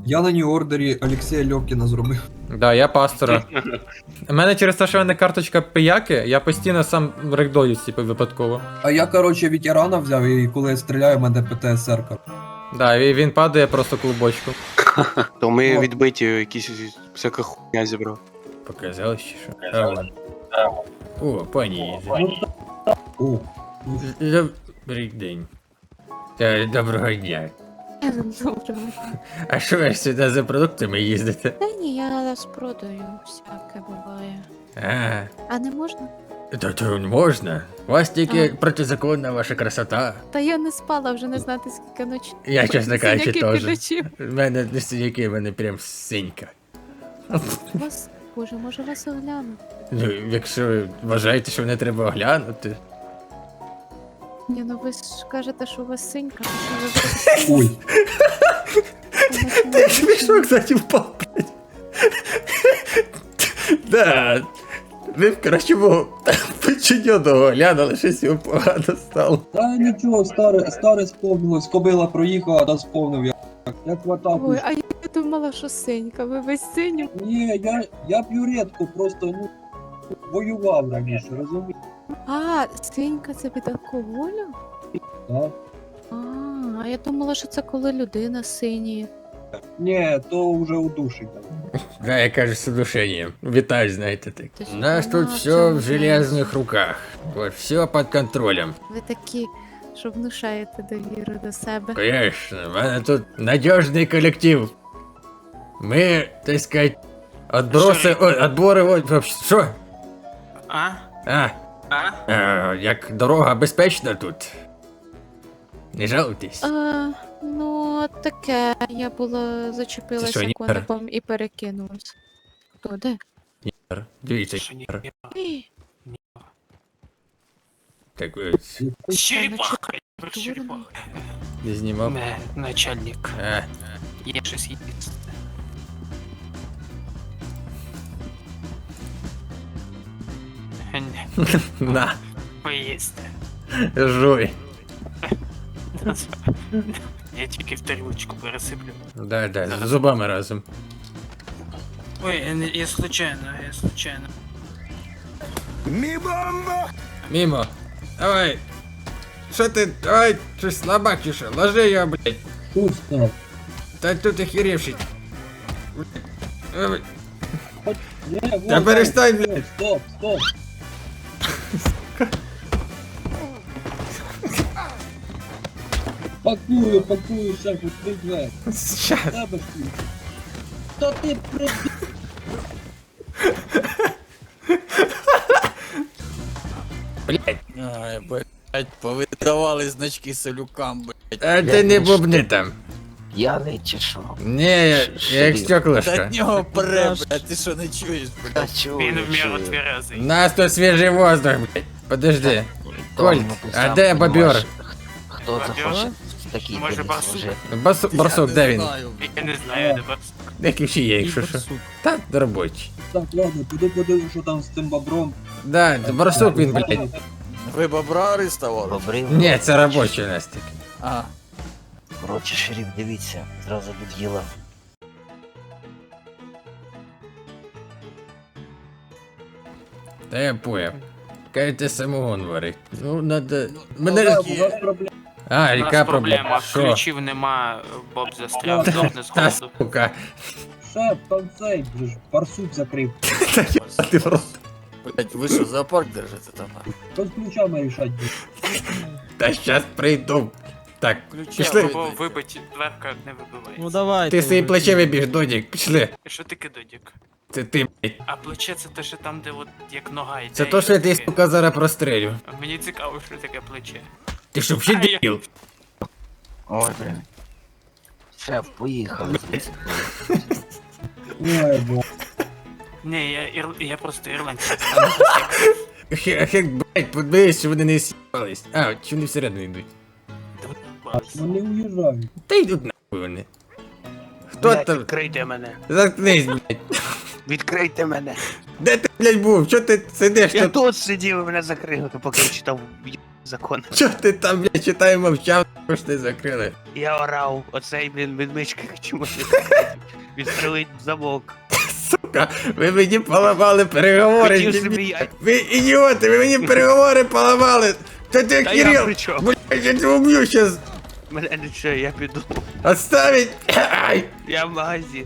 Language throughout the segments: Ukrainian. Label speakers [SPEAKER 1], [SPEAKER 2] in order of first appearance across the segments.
[SPEAKER 1] Я на нью-ордері Олексія Льовкіна зробив.
[SPEAKER 2] Да, я пастора. У мене через те, що в мене карточка пияки, я постійно сам рекдолюсь, типу, випадково.
[SPEAKER 1] А я, коротше, ветерана взяв, і коли я стріляю, в мене ПТСР.
[SPEAKER 2] Да, і він падає просто клубочком.
[SPEAKER 3] То ми відбиті, якісь всяка хуйня зібрав.
[SPEAKER 2] Показалось, чи що? А, ладно. О, пані.
[SPEAKER 1] О,
[SPEAKER 2] Добрий день. Доброго дня.
[SPEAKER 4] Доброго.
[SPEAKER 2] А що ви ж сюди за продуктами їздите?
[SPEAKER 4] Та ні, я розпродаю, всяке буває.
[SPEAKER 2] А,
[SPEAKER 4] А не можна?
[SPEAKER 2] то можна. У вас тільки протизаконна ваша красота.
[SPEAKER 4] Та я не спала, вже не знати скільки ночі.
[SPEAKER 2] Я, чесно кажучи,
[SPEAKER 4] Синяки
[SPEAKER 2] теж.
[SPEAKER 4] під очима.
[SPEAKER 2] У мене не синяки, в мене прям синька.
[SPEAKER 4] Вас, боже, може вас огляну?
[SPEAKER 2] Ну, якщо ви вважаєте, що не треба оглянути.
[SPEAKER 4] Ні, ну ви ж кажете, що у вас синька, то що ви
[SPEAKER 1] ой.
[SPEAKER 2] Ти смішно, кстати, впав, блядь. Да. Ви б краще мого підчиненого глянули, щось його погано стало.
[SPEAKER 1] Та нічого, старе сповнилось, кобила проїхала, та сповнив я. Як в атаку.
[SPEAKER 4] Ой, а я думала, що синька, ви весь синю.
[SPEAKER 1] Ні, я п'ю рідко, просто, ну, воював раніше, розумієш?
[SPEAKER 4] А, синька це від алкоголю?
[SPEAKER 1] Так.
[SPEAKER 4] А я думала, що це коли людина синіє.
[SPEAKER 1] Ні, то вже у душі.
[SPEAKER 2] Да, я кажу, с удушением. Виталь, знаете, так.
[SPEAKER 4] Ты
[SPEAKER 2] У нас
[SPEAKER 4] ж
[SPEAKER 2] тут
[SPEAKER 4] понимаешь,
[SPEAKER 2] все
[SPEAKER 4] что
[SPEAKER 2] в
[SPEAKER 4] вы
[SPEAKER 2] железных руках. Вот, все под контролем.
[SPEAKER 4] Ви такі, що внушаєте довіру до себе.
[SPEAKER 2] Конечно, у меня тут надежный коллектив. Мы, так сказать, отбросы, ой, отборы, вот, вообще, что?
[SPEAKER 3] А?
[SPEAKER 2] Як дорога безпечна тут. Не жалуйтесь.
[SPEAKER 4] Ну, таке, я була
[SPEAKER 2] Це
[SPEAKER 4] зачепилася
[SPEAKER 2] що, Нігер?
[SPEAKER 4] коником і перекинулась. Хто, де?
[SPEAKER 2] Дивіться,
[SPEAKER 3] Що ні?
[SPEAKER 4] Ей,
[SPEAKER 2] так ось,
[SPEAKER 3] Черепаха!
[SPEAKER 4] дурно.
[SPEAKER 2] не знімав.
[SPEAKER 3] Не, начальник.
[SPEAKER 2] А,
[SPEAKER 3] Є щось їсти.
[SPEAKER 2] на,
[SPEAKER 3] Поїсти.
[SPEAKER 2] жуй.
[SPEAKER 3] Я тільки в тарілочку пересиплю.
[SPEAKER 2] Да, з зубами разом.
[SPEAKER 3] Ой, я случайно.
[SPEAKER 2] Мимо. Давай. Що ти, давай, щось слабак чи що? Ложи його, блядь.
[SPEAKER 1] Що став?
[SPEAKER 2] Та тут охеревший. Давай.
[SPEAKER 1] Ні,
[SPEAKER 2] Та
[SPEAKER 1] вот,
[SPEAKER 2] перестань,
[SPEAKER 1] стоп,
[SPEAKER 2] блядь.
[SPEAKER 1] Стоп. Пакую, шеф, відкрий.
[SPEAKER 2] Щас.
[SPEAKER 1] Тебе ж ти. Та ти при...
[SPEAKER 2] Блядь.
[SPEAKER 5] Ай, блять, повидавали значки салюкам, блять.
[SPEAKER 2] А ти не бубни там.
[SPEAKER 6] П'яний чи що?
[SPEAKER 2] Ні, я як
[SPEAKER 5] Та
[SPEAKER 2] стеклышко.
[SPEAKER 5] від нього пре, блять, ти що не чуєш, блять?
[SPEAKER 6] Та чого?
[SPEAKER 3] Він в міру
[SPEAKER 6] чую?
[SPEAKER 3] тверезий.
[SPEAKER 2] У нас тут свіжий воздух, блядь. Подожди.
[SPEAKER 6] То,
[SPEAKER 2] Коль,
[SPEAKER 6] ну, ти
[SPEAKER 2] а
[SPEAKER 6] сам
[SPEAKER 2] де
[SPEAKER 6] понімаєш,
[SPEAKER 2] бобер?
[SPEAKER 6] Хто
[SPEAKER 3] Бобер?
[SPEAKER 6] захоче в такій
[SPEAKER 3] Може,
[SPEAKER 6] диві
[SPEAKER 3] барсук?
[SPEAKER 6] служити?
[SPEAKER 2] Барсук, де він?
[SPEAKER 3] Я не знаю, де барсук.
[SPEAKER 2] Де ключі є, якщо що. Та робочий.
[SPEAKER 1] Так, ладно, піду подивлюсь, що там з цим бобром.
[SPEAKER 2] Да, барсук він, блядь.
[SPEAKER 5] Ви бобра арестували?
[SPEAKER 6] Бобрив?
[SPEAKER 2] Ні, це робочий у нас такий.
[SPEAKER 5] А,
[SPEAKER 6] Коротше, шериф, дивіться, зразу до діла.
[SPEAKER 2] Та я поняв. Кажете, самогон варить. Ну, надо...
[SPEAKER 1] У
[SPEAKER 2] Мене...
[SPEAKER 1] нас проблема.
[SPEAKER 2] А,
[SPEAKER 3] У
[SPEAKER 2] яка
[SPEAKER 3] нас
[SPEAKER 2] проблема?
[SPEAKER 3] проблема,
[SPEAKER 2] Що?
[SPEAKER 3] ключів нема, Боб застряв, здохне з
[SPEAKER 2] Та
[SPEAKER 3] голоду.
[SPEAKER 2] сука.
[SPEAKER 1] Шеф, там цей, вже ж, барсук закрив.
[SPEAKER 2] А ти в рот.
[SPEAKER 5] блять, ви що, зоопарк держите там?
[SPEAKER 1] Що з ключами рішать буде?
[SPEAKER 2] Та щас прийду. Так,
[SPEAKER 5] Ключі
[SPEAKER 2] пішли.
[SPEAKER 3] Бо вибить, дверка не вибивається.
[SPEAKER 7] Ну давай.
[SPEAKER 2] Ти свої плече вибіж, Додік, пішли.
[SPEAKER 3] Що таке додік?
[SPEAKER 2] Це ти, блядь.
[SPEAKER 3] А плече це те, що там, де от як нога йде.
[SPEAKER 2] Це то, що я десь, сука, зараз прострелю.
[SPEAKER 3] А мені цікаво, що таке плече.
[SPEAKER 2] Ти що, взагалі
[SPEAKER 3] А, я-
[SPEAKER 2] дебіл?
[SPEAKER 6] Ой, блін. Шеф, поїхали.
[SPEAKER 1] Ой, бо.
[SPEAKER 3] Ні, я просто ірландський.
[SPEAKER 2] Хек, блядь, подивись, що вони не с'їбались. А, чи вони всередину йдуть?
[SPEAKER 1] Вони уїжджають.
[SPEAKER 2] Та йдуть нахуй вони. Хто там?
[SPEAKER 3] Відкрийте мене.
[SPEAKER 2] Заткнись, блядь.
[SPEAKER 3] Відкрийте мене.
[SPEAKER 2] Де ти, блядь, був? Чого ти сидиш
[SPEAKER 3] Я
[SPEAKER 2] тут?
[SPEAKER 3] тут сидів, і мене закрили, поки я читав
[SPEAKER 7] закон.
[SPEAKER 2] Чо ти там, блядь, читай мовчав, що ж ти закрили?
[SPEAKER 7] Я орав, оцей, блін, відмичка чомусь відстрелить замок.
[SPEAKER 2] Сука, ви мені поламали переговори.
[SPEAKER 7] Хотів
[SPEAKER 2] дебіл.
[SPEAKER 7] собі я.
[SPEAKER 2] Ви ідіоти, ви мені переговори поламали. Та ти
[SPEAKER 7] Та я
[SPEAKER 2] Кирил,
[SPEAKER 7] при чому?
[SPEAKER 2] блядь, я тебе уб'ю щас.
[SPEAKER 7] Мене нічого, я піду.
[SPEAKER 2] Отставить. Ай.
[SPEAKER 7] Я в магазин.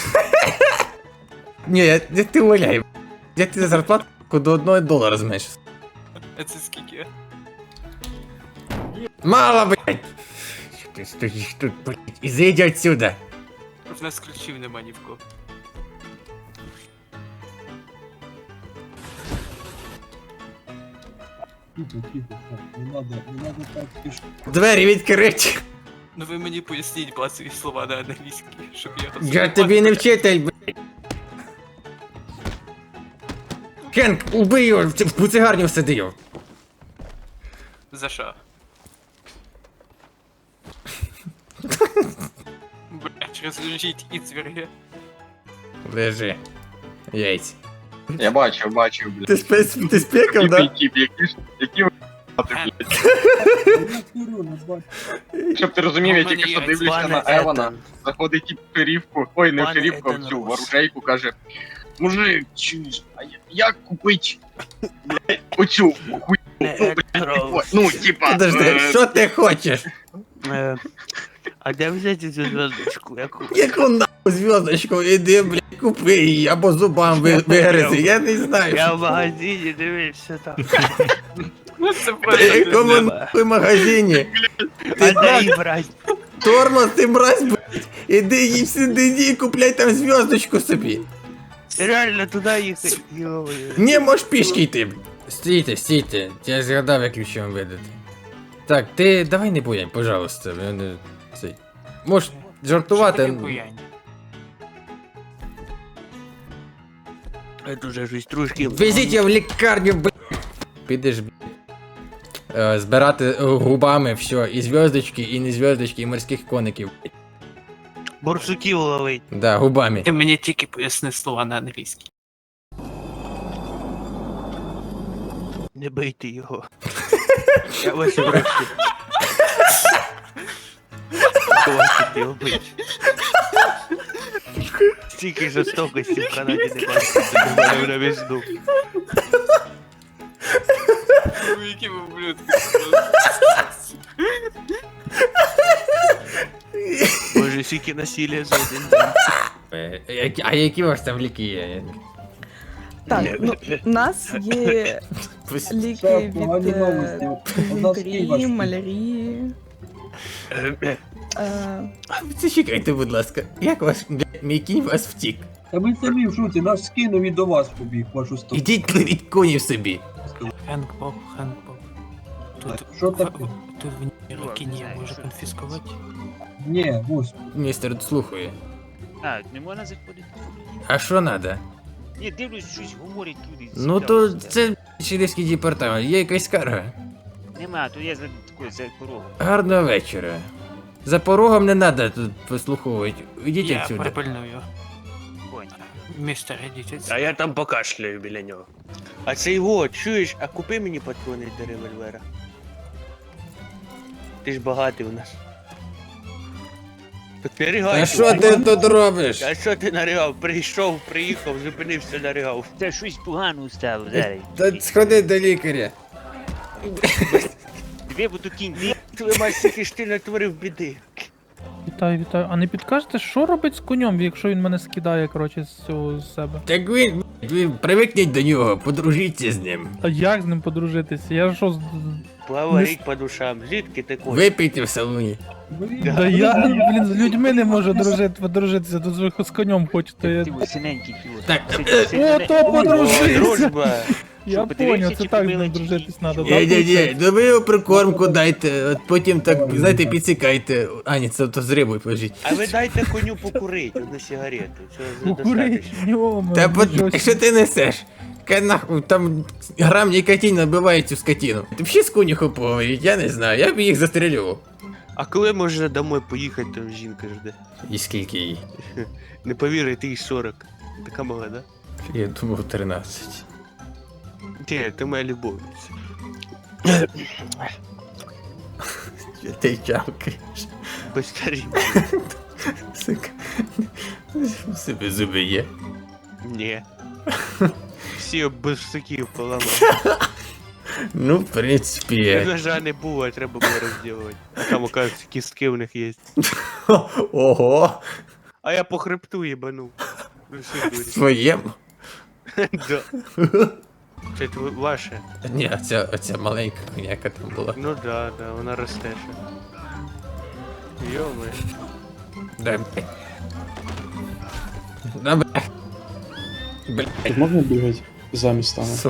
[SPEAKER 2] Ні, я ти валяй. Я ти за зарплатку до $1 зменшу.
[SPEAKER 7] Це скільки?
[SPEAKER 2] Мало, блядь. Що ти стоїш тут, блядь, і зайди отсюда.
[SPEAKER 7] В нас ключів нема ні в кого.
[SPEAKER 1] Тихо, тихо, так, не надо так спішити.
[SPEAKER 2] Двері відкриті.
[SPEAKER 7] Ну ви мені поясніть базові слова на англійській, щоб я його
[SPEAKER 2] Я тобі не вчитель, блядь. Хенк, убий його, в буцегарню всади його.
[SPEAKER 7] За що? Блять, розложіть і цвірги.
[SPEAKER 2] Лежи. Яйць.
[SPEAKER 8] Я бачив, блядь.
[SPEAKER 2] Ти спекав, да?
[SPEAKER 8] Які ви,
[SPEAKER 7] Хенк,
[SPEAKER 1] Я курю, не бачу.
[SPEAKER 8] щоб ти розумів, я
[SPEAKER 7] У мене
[SPEAKER 8] тільки що
[SPEAKER 7] є
[SPEAKER 8] дивлюся на
[SPEAKER 7] пане
[SPEAKER 8] Евана, заходить тип в шерифку, ой, не в
[SPEAKER 7] Пане
[SPEAKER 8] шерифку, а в
[SPEAKER 7] Еден
[SPEAKER 8] цю в
[SPEAKER 7] Рос.
[SPEAKER 8] оружейку, каже, мужик, чуєш, а як купить, блядь, оцю хуйню, ну, блядь, ну, типа,
[SPEAKER 2] Подожди, що ти хочеш?
[SPEAKER 7] А де взяти цю зв'язочку? Яку?
[SPEAKER 2] Яку нахуй зв'язочку, іди, блядь, купи її, або зубам вигризи, я не знаю.
[SPEAKER 7] Я в магазині дивився там. Це
[SPEAKER 2] В якому нахуй магазині?
[SPEAKER 7] А
[SPEAKER 2] Ти
[SPEAKER 7] де її брати?
[SPEAKER 2] тормоз, ти мразь, блядь. Іди їй всюди, іди і купляй там зв'язочку собі.
[SPEAKER 7] Реально туди їхати. Йо-моє.
[SPEAKER 2] Не, можеш пішки йти, блядь. Стійте, я згадав, як ключі вам видати. Так, ти давай не буянь, пожалуйста. Я не... Цей. Можеш жартувати.
[SPEAKER 7] Це вже щось трошки.
[SPEAKER 2] Везіть його в лікарню, блядь. Підеш, блядь. Збирати губами все, і зв'язочки, і не зв'язочки, і морських коників. блядь.
[SPEAKER 7] Борсуків ловить.
[SPEAKER 2] Да, губами.
[SPEAKER 7] Ти мені тільки поясни слова на англійській. Не бийте його. Я вас прошу. Хватить його бити. Стільки жорстокості в Канаді не бачите, до мене на візду. Які ви ублюдки. Боже, скільки насилля за один день.
[SPEAKER 2] А які у вас там ліки є?
[SPEAKER 9] Так, ну, у нас є
[SPEAKER 2] Пусть-
[SPEAKER 9] ліки
[SPEAKER 1] Все,
[SPEAKER 9] від
[SPEAKER 1] погані новості. У нас Київ
[SPEAKER 9] дизентерії,
[SPEAKER 1] аж.
[SPEAKER 9] малярії.
[SPEAKER 2] Зачекайте, будь ласка, як ваш, блядь, мій кінь вас втік?
[SPEAKER 1] Та ми самі в шуці, наш скинув і до вас побіг, вашу сторону.
[SPEAKER 2] Ідіть пливіть конів собі.
[SPEAKER 7] Хенк Боб. Тут,
[SPEAKER 1] Що таке?
[SPEAKER 7] тут в Нірокіні може конфіскувати.
[SPEAKER 1] Ні, ось.
[SPEAKER 2] Містер слухає.
[SPEAKER 10] А, не можна заходити?
[SPEAKER 2] А що надо?
[SPEAKER 10] Ні, дивлюсь, щось говорять люди.
[SPEAKER 2] Ну то це шерифський департамент, є якась скарга.
[SPEAKER 10] Нема, то я за такою, за порогом.
[SPEAKER 2] Гарного вечора. За порогом не треба тут послуховувати. Ідіть
[SPEAKER 7] Я
[SPEAKER 2] отсюди.
[SPEAKER 7] припильную.
[SPEAKER 10] Понял.
[SPEAKER 7] Містер, ідіть.
[SPEAKER 5] А я там покашляю біля нього.
[SPEAKER 7] А це його, чуєш, а купи мені патрони до револьвера. Ти ж багатий у нас. Підпірігай.
[SPEAKER 2] А що ти тут робиш?
[SPEAKER 7] А що ти наригав? Прийшов, приїхав, зупинився, наригав.
[SPEAKER 10] Це щось погано стало зараз.
[SPEAKER 2] Та сходи до лікаря.
[SPEAKER 10] Дві буду кінь.
[SPEAKER 7] Твою мать, скільки ж ти натворив біди.
[SPEAKER 11] Вітаю. А не підкажете, що робить з конем, якщо він мене скидає, коротше, з цього з себе?
[SPEAKER 2] Так ви привикніть до нього, подружіться з ним.
[SPEAKER 11] А як з ним подружитися? Я що з.
[SPEAKER 7] Поговорить по душам. Звідки ти кот?
[SPEAKER 2] Випийте в салоні.
[SPEAKER 11] Да я, блін, з людьми не можу подружитися, тут ви з конем хочете. Я...
[SPEAKER 10] Ти синенький пілот.
[SPEAKER 2] Так,
[SPEAKER 11] О, то подружитися!
[SPEAKER 7] Дружба.
[SPEAKER 11] Я
[SPEAKER 10] подивився,
[SPEAKER 11] поняв, це
[SPEAKER 10] чи
[SPEAKER 11] так з
[SPEAKER 10] купили,
[SPEAKER 11] ним
[SPEAKER 10] чи
[SPEAKER 11] дружитись
[SPEAKER 10] ні?
[SPEAKER 11] треба.
[SPEAKER 2] ні, ну ви його прикормку дайте, от потім так, знаєте, підсікайте. А, ні, це то з рибою положіть.
[SPEAKER 7] А ви дайте коню покурить, одну сигарету. Цього
[SPEAKER 11] Курить,
[SPEAKER 7] достатньо.
[SPEAKER 11] йома.
[SPEAKER 2] Та що ти несеш? Нахуй, там грам нікотин набиває цю скотину. Ти взагалі з конюху поговорить, я не знаю, я б їх застрелював.
[SPEAKER 7] А коли можна домой поїхати, там жінка жде?
[SPEAKER 2] І скільки їй?
[SPEAKER 7] Не повірите, їй 40. Така мала, да?
[SPEAKER 2] Я думав 13.
[SPEAKER 7] Ні, ти моя любовниця.
[SPEAKER 2] Що ти чавкаєш?
[SPEAKER 7] Без тарілки.
[SPEAKER 2] Сука. У себе зуби є.
[SPEAKER 7] Ні. Всі без всяких поламав.
[SPEAKER 2] Ну, в принципі.
[SPEAKER 7] Ножа не було, треба було розділувати. А там, оказується, кістки в них є.
[SPEAKER 2] Ого!
[SPEAKER 7] А я по хребту їбанув. Ну що дурі.
[SPEAKER 2] Своєму?
[SPEAKER 7] Да. Це ваше?
[SPEAKER 2] Ні, оця маленька коняка там була.
[SPEAKER 7] Ну да, вона росте ще. Йоми.
[SPEAKER 2] Дай, блядь. Да, блядь. Блядь.
[SPEAKER 11] Можна бігати за містами?
[SPEAKER 2] Сука.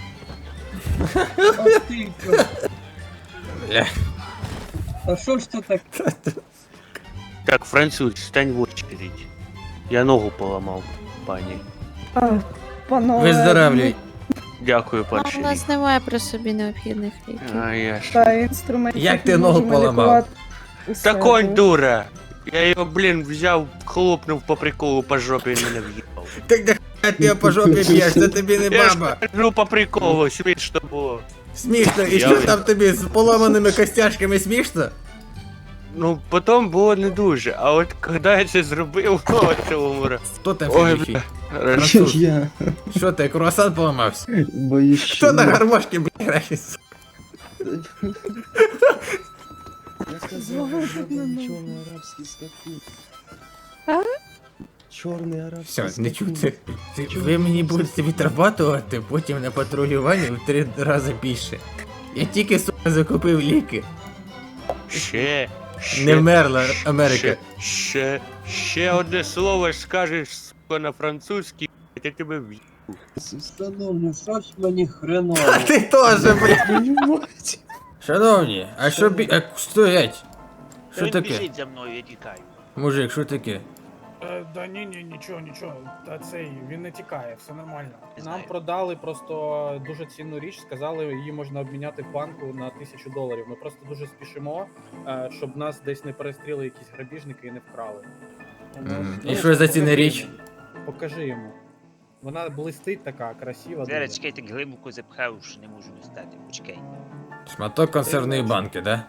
[SPEAKER 1] А ти що?
[SPEAKER 2] Бля.
[SPEAKER 1] А що ж це так?
[SPEAKER 7] Так, француз, стань в очередь. Я ногу поламав, пані.
[SPEAKER 9] Панове,
[SPEAKER 2] Виздоравлюй.
[SPEAKER 7] Дякую,
[SPEAKER 4] Ну,
[SPEAKER 7] перший.
[SPEAKER 4] у нас немає при собі необхідних ліків.
[SPEAKER 7] А я ж.
[SPEAKER 9] та інструментів
[SPEAKER 2] Як ти
[SPEAKER 9] ми
[SPEAKER 2] ногу
[SPEAKER 9] можемо
[SPEAKER 2] поламав?
[SPEAKER 9] лікувати усе.
[SPEAKER 7] Та конь дура! Я його, блін, взяв, хлопнув по приколу по жопі і мене в'їбав.
[SPEAKER 2] Так де хуя ти по жопі б'єш, це тобі не
[SPEAKER 7] Я ж
[SPEAKER 2] баба.
[SPEAKER 7] кажу по приколу, смішно було.
[SPEAKER 2] Смішно, і
[SPEAKER 7] Я
[SPEAKER 2] що
[SPEAKER 7] ви-
[SPEAKER 2] там тобі з поламаними костяшками смішно?
[SPEAKER 7] Ну, потім було не дуже, а от коли я це зробив, о, це умора.
[SPEAKER 2] Хто там
[SPEAKER 7] Ой,
[SPEAKER 2] фігіфі?
[SPEAKER 7] бля.
[SPEAKER 2] Француз. Що ти, круасан поламався?
[SPEAKER 1] Боюсь,
[SPEAKER 2] Хто на гармошці, бля, грає?
[SPEAKER 1] Я сказав,
[SPEAKER 9] Зловив мене.
[SPEAKER 1] чорний арабський статут.
[SPEAKER 4] А?
[SPEAKER 1] Чорний арабський
[SPEAKER 2] Все, не чути. Ви мені будете відрабатувати, потім на патрулюванні в 3 рази більше. Я тільки, сука, закупив ліки.
[SPEAKER 7] Ще.
[SPEAKER 2] Не вмерла Америка.
[SPEAKER 7] Ще одне слово скажеш, сука, на французькій, я тебе в'їбу.
[SPEAKER 1] Шановні, що ж мені хреново?
[SPEAKER 2] А ти теж, блядь. Шановні, а що стоять? Що
[SPEAKER 10] Він
[SPEAKER 2] таке?
[SPEAKER 10] біжить за мною, я тікаю.
[SPEAKER 2] Мужик, що таке?
[SPEAKER 11] Да ні, нічого. Та цей, він не тікає, все нормально.
[SPEAKER 10] Не
[SPEAKER 11] Нам
[SPEAKER 10] знаю.
[SPEAKER 11] продали просто дуже цінну річ, сказали, її можна обміняти в банку на $1000. Ми просто дуже спішимо, щоб нас десь не перестріли якісь грабіжники і не вкрали.
[SPEAKER 2] І що за цінна річ?
[SPEAKER 11] Покажи йому. Вона блистить така, красива.
[SPEAKER 10] Зараз
[SPEAKER 11] дуже.
[SPEAKER 10] чекай, так глибоко запхав, що не можу достати. Почекай.
[SPEAKER 2] Шматок консервної банки, да?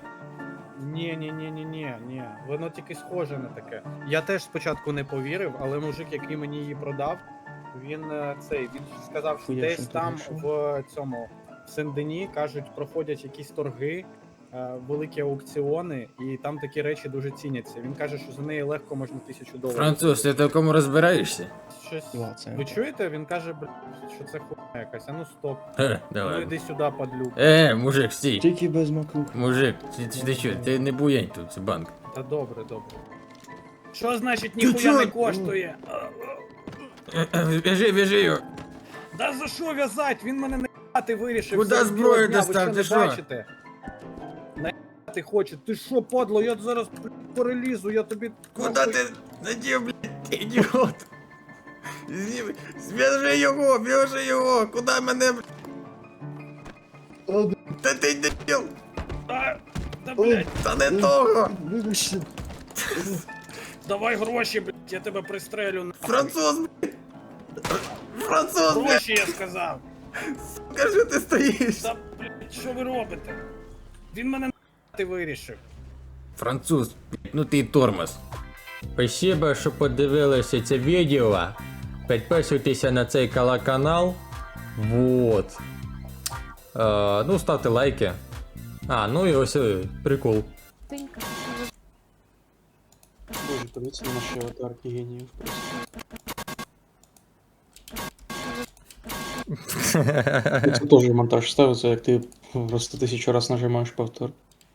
[SPEAKER 11] Ні. Воно тільки схоже на таке. Я теж спочатку не повірив, але мужик, який мені її продав, він сказав, що десь там в цьому в Сен-Дені, кажуть, проходять якісь торги, великі аукціони, і там такі речі дуже ціняться. Він каже, що за неї легко можна $1000.
[SPEAKER 2] Француз, ти в такому розбираєшся?
[SPEAKER 11] Щось. Ви чуєте? Він каже, що це хуйня якась. А ну стоп. Ну
[SPEAKER 2] Давай.
[SPEAKER 11] йди сюди, падлюк.
[SPEAKER 2] Мужик, стій.
[SPEAKER 1] Тільки без макрух.
[SPEAKER 2] Мужик, ти що, ти не буянь тут, це банк.
[SPEAKER 11] Та добре. Що значить
[SPEAKER 2] чо?
[SPEAKER 11] ніхуя не коштує?
[SPEAKER 2] В'яжи його.
[SPEAKER 11] Да за що в'язать? Він мене наїбати вирішив.
[SPEAKER 2] Куда
[SPEAKER 11] серед
[SPEAKER 2] зброю
[SPEAKER 11] білого дня, ви
[SPEAKER 2] достав?
[SPEAKER 11] що,
[SPEAKER 2] Ти
[SPEAKER 11] не
[SPEAKER 2] що?
[SPEAKER 11] бачите? Наїбати хоче. Ти що, падло? Я зараз перелізу, я тобі...
[SPEAKER 2] Куда ти надів, блядь, ідіот? Зв'яжи його, куди мене, блядь? Та ти дебіл,
[SPEAKER 11] Та, блядь,
[SPEAKER 2] та не того.
[SPEAKER 1] Вибачте.
[SPEAKER 11] давай гроші, блядь, я тебе пристрелю.
[SPEAKER 2] Француз, блядь. Француз, блядь,
[SPEAKER 11] Гроші, я сказав.
[SPEAKER 2] сука, що ти стоїш?
[SPEAKER 11] Та, блядь, що ви робите? Він мене наїбати вирішив.
[SPEAKER 2] Француз, ну ти тормоз. Спасибо, що подивилися це відео. Підписуйтеся на цей канал. Вот. Ну, ставте лайки. Ну і ось прикол.
[SPEAKER 4] Тинька.
[SPEAKER 11] Боже, подивіться на наші аватарки геніїв просто. Це теж монтаж ставиться, як ти просто 1000 раз нажимаєш повтор.